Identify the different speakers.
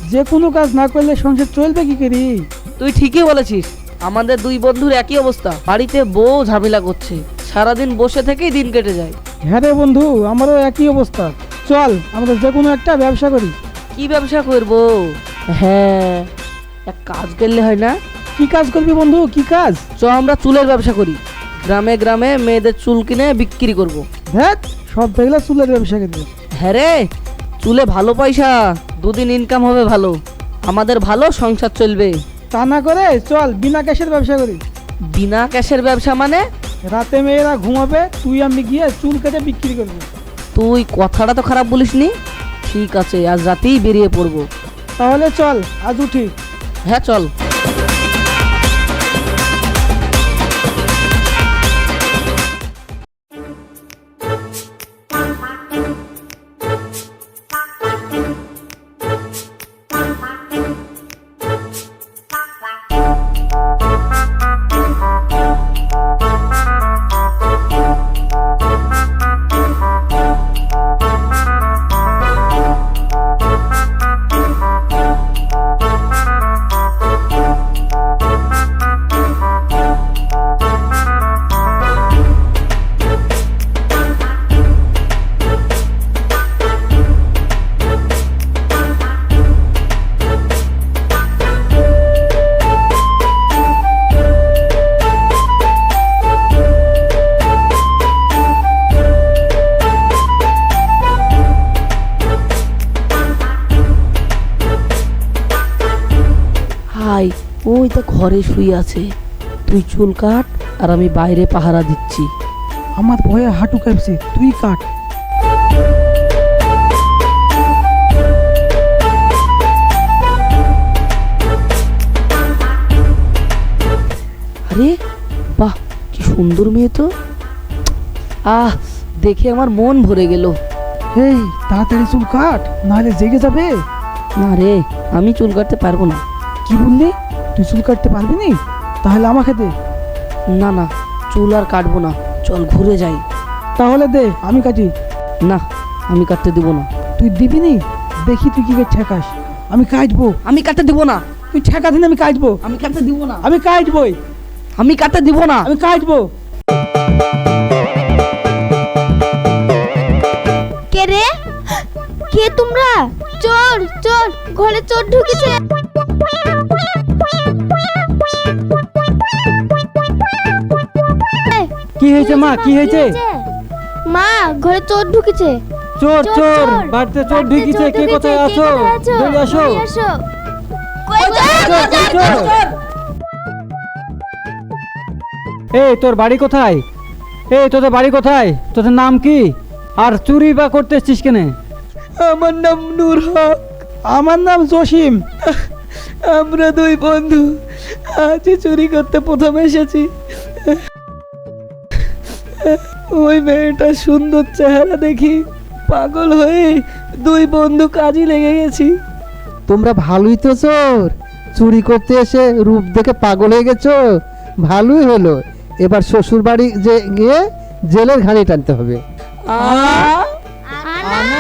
Speaker 1: যে কোনো কাজ না করলে সংসার চলবে কি করি?
Speaker 2: তুই ঠিকই বলেছিস, আমাদের দুই বন্ধুর একই অবস্থা। বাড়িতে বউ ঝামেলা করছে, সারাদিন বসে থেকেই দিন কেটে যায়।
Speaker 1: হ্যাঁ রে বন্ধু, আমারও একই অবস্থা। চল আমরা যে কোনো একটা ব্যবসা করি।
Speaker 2: কি ব্যবসা করব? হ্যাঁ, এক কাজ করলে হয় না?
Speaker 1: কি কাজ করবি বন্ধু, কি কাজ?
Speaker 2: আমরা চুলের ব্যবসা করি। গ্রামে গ্রামে মেয়েদের চুল কিনে বিক্রি করব।
Speaker 1: দেখ সব দেখলে চুলের ব্যবসা করবি।
Speaker 2: হ্যাঁ রে, চুলে ভালো পয়সা, দুদিন ইনকাম হবে ভালো, আমাদের ভালো সংসার চলবে।
Speaker 1: তা না করে চল বিনা ক্যাশের ব্যবসা করি।
Speaker 2: বিনা ক্যাশের ব্যবসা মানে?
Speaker 1: রাতে মেয়েরা ঘুমাবে, তুই আমি গিয়ে চুল কেটে বিক্রি করবো।
Speaker 2: তুই কথাটা তো খারাপ বলিসনি। ঠিক আছে, আজ রাতেই বেরিয়ে পড়বো।
Speaker 1: তাহলে চল আজ উঠি।
Speaker 2: হ্যাঁ চল। ওই তো ঘরে শুয়ে আছে, তুই চুল কাট আর আমি বাইরে পাহারা দিচ্ছি।
Speaker 1: আমার ভয়ে হাঁটু কাঁপছে, তুই কাট।
Speaker 2: আরে বাহ, কি সুন্দর মেয়ে তো। দেখে আমার মন ভরে গেল।
Speaker 1: এই তাড়াতাড়ি চুল কাট, নাহলে জেগে যাবে।
Speaker 2: না রে, আমি চুল কাটতে পারবো না।
Speaker 1: কি বললি? তুই চুল কাটতে পারবি না? তাহলে আমাকে দে।
Speaker 2: না না, চুল আর কাটবো না, চল ঘুরে যাই।
Speaker 1: তাহলে দে, আমি কাটি।
Speaker 2: না, আমি কাটতে দিব না।
Speaker 1: তুই দিবি নি? দেখি তুই কি করে ঠেকাস। আমি কাটবো।
Speaker 2: আমি কাটতে দিব না।
Speaker 1: তুই ঠেকা দিন, আমি কাটবো।
Speaker 2: আমি কাটতে দিব না।
Speaker 1: আমি কাটবই।
Speaker 2: আমি কাটতে দিব না।
Speaker 1: আমি কাটবো।
Speaker 3: কে রে? কে তোমরা? চোর চোর, ঘরে চোর ঢুকেছে।
Speaker 1: কি হয়েছে মা, কি হয়েছে?
Speaker 3: মা, ঘরে চোর ঢুকেছে।
Speaker 1: চোর চোর, বাড়িতে চোর ঢুকেছে। কে কোথায় আছো? জলদি আসো। এই তোর বাড়ি কোথায়? এই তোদের বাড়ি কোথায়? তোদের নাম কি? আর চুরি বা করতে এসছিস কেনে?
Speaker 4: আমার নাম নূর হক।
Speaker 1: আমার নাম জসিম।
Speaker 4: আমরা দুই বন্ধু আজ চুরি করতে প্রথম এসেছি। ওই মেয়েটা সুন্দর চেহারা দেখি পাগল হয়ে দুই বন্ধু কাজে লেগে গেছি।
Speaker 5: তোমরা ভালোই তো চোর, চুরি করতে এসে রূপ দেখে পাগল হয়ে গেছো। ভালোই হলো, এবার শ্বশুর বাড়ি যে গিয়ে জেলের ঘানি টানতে হবে।
Speaker 3: না